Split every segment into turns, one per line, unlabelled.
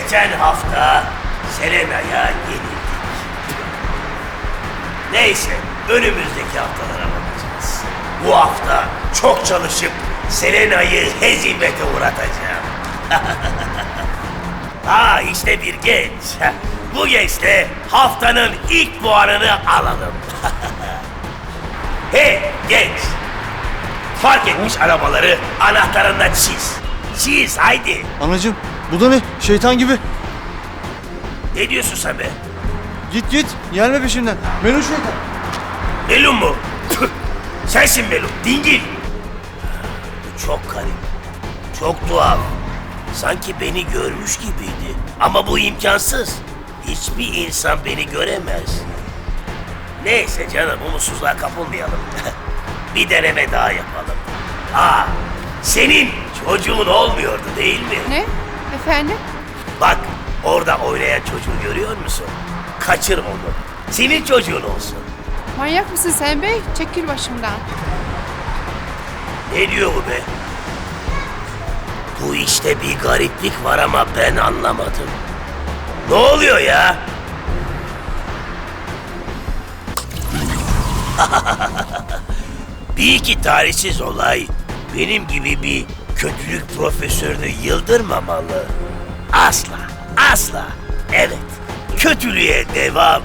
Geçen hafta Selena'ya yenildik. Neyse, önümüzdeki haftalara bakacağız. Bu hafta çok çalışıp Selena'yı hezimete uğratacağım. İşte bir genç. Bu gençle haftanın ilk puanını alalım. Hey genç! Fark etmiş arabaları anahtarında çiz. Çiz haydi.
Anacığım bu da ne? Şeytan gibi.
Ne diyorsun sen be?
Git git. Gelme peşimden. Melun şeytan.
Melun mu? Sensin Melun, dingil. Bu çok garip. Çok tuhaf. Sanki beni görmüş gibiydi. Ama bu imkansız. Hiçbir insan beni göremez. Neyse canım, umutsuzluğa kapılmayalım. Bir deneme daha yapalım. Senin çocuğun olmuyordu değil mi?
Ne? Efendim?
Bak, orada oynayan çocuğu görüyor musun? Kaçır onu. Senin çocuğun olsun.
Manyak mısın sen bey? Çekil başımdan.
Ne diyor bu be? Bu işte bir gariplik var ama ben anlamadım. Ne oluyor ya? Bir iki tarihsiz olay benim gibi bir kötülük profesörünü yıldırmamalı. Asla, asla. Evet, kötülüğe devam.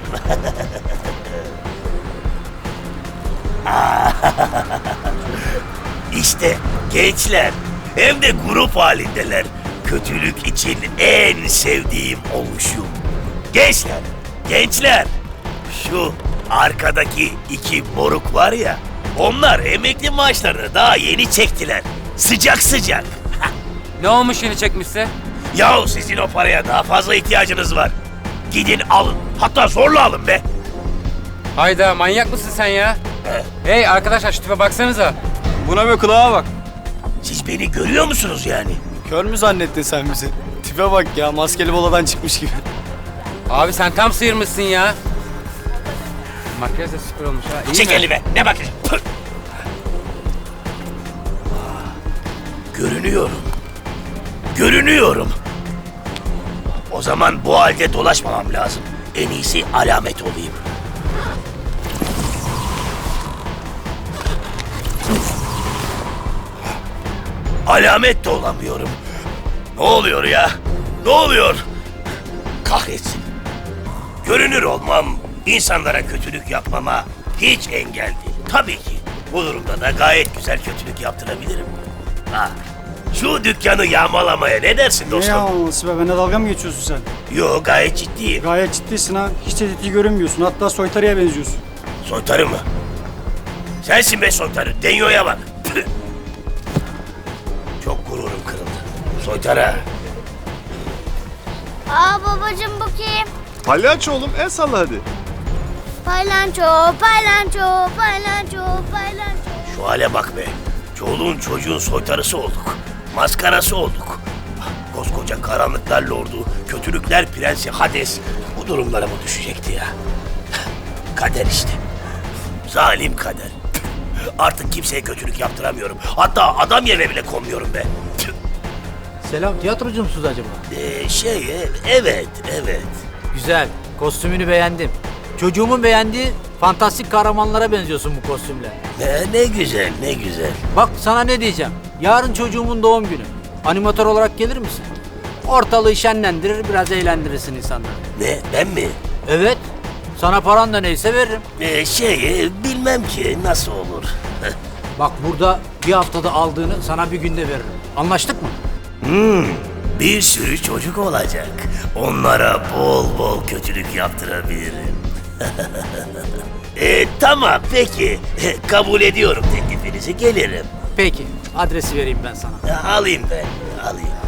İşte gençler, hem de grup halindeler. Kötülük için en sevdiğim oluşum. Gençler, gençler. Şu arkadaki iki moruk var ya, onlar emekli maaşlarını daha yeni çektiler. Sıcak sıcak.
Ne olmuş yeni çekmişse?
Yahu sizin o paraya daha fazla ihtiyacınız var. Gidin alın, hatta zorla alın be.
Hayda, manyak mısın sen ya? Hey arkadaşlar, şu tipe baksanıza.
Buna be kulağa bak.
Siz beni görüyor musunuz yani?
Kör mü zannettin sen bizi? Tipe bak ya, maskeli boladan çıkmış gibi.
Abi sen tam sıyırmışsın ya. Makyaj da süper olmuş ha. İyi
Çek
mi?
elime, ne bakıyorsun? Püh! Görünüyorum. Görünüyorum. O zaman bu halde dolaşmamam lazım. En iyisi alamet olayım. Alamet de olamıyorum. Ne oluyor ya? Ne oluyor? Kahretsin. Görünür olmam, insanlara kötülük yapmama hiç engel değil. Tabii ki. Bu durumda da gayet güzel kötülük yaptırabilirim. Şu dükkanı yağmalamaya ne dersin
Ne
dostum?
yağmalaması be? Benimle dalga mı geçiyorsun sen?
Yo, gayet ciddiyim.
Gayet ciddisin ha. Hiç de ciddi görünmüyorsun. Hatta soytarıya benziyorsun.
Soytarı mı? Sensin be soytarı. Denyo'ya bak. Püh! Çok gururum kırıldı. Soytarı.
Babacığım bu kim?
Palyaço oğlum, el salla hadi.
Paylanço, paylanço, paylanço, paylanço.
Şu hale bak be. Çoluğun çocuğun soytarısı olduk. Maskarası olduk. Koskoca karanlıklar lordu, kötülükler prensi Hades bu durumlara mı düşecekti ya? Kader işte. Zalim kader. Artık kimseye kötülük yaptıramıyorum. Hatta adam yerine bile konmuyorum be.
Selam, tiyatrocu musunuz acaba?
Evet.
Güzel, kostümünü beğendim. Çocuğumun beğendiği fantastik kahramanlara benziyorsun bu kostümle.
Ne güzel, ne güzel.
Bak sana ne diyeceğim. Yarın çocuğumun doğum günü. Animatör olarak gelir misin? Ortalığı şenlendirir, biraz eğlendirirsin insanları.
Ne, ben mi?
Evet, sana paran da neyse veririm.
Bilmem ki nasıl olur.
Bak burada bir haftada aldığını sana bir günde veririm. Anlaştık mı?
Bir sürü çocuk olacak. Onlara bol bol kötülük yaptırabilirim. Tamam peki. Kabul ediyorum teklifinizi, gelirim.
Peki, adresi vereyim ben sana.
Alayım ben, alayım.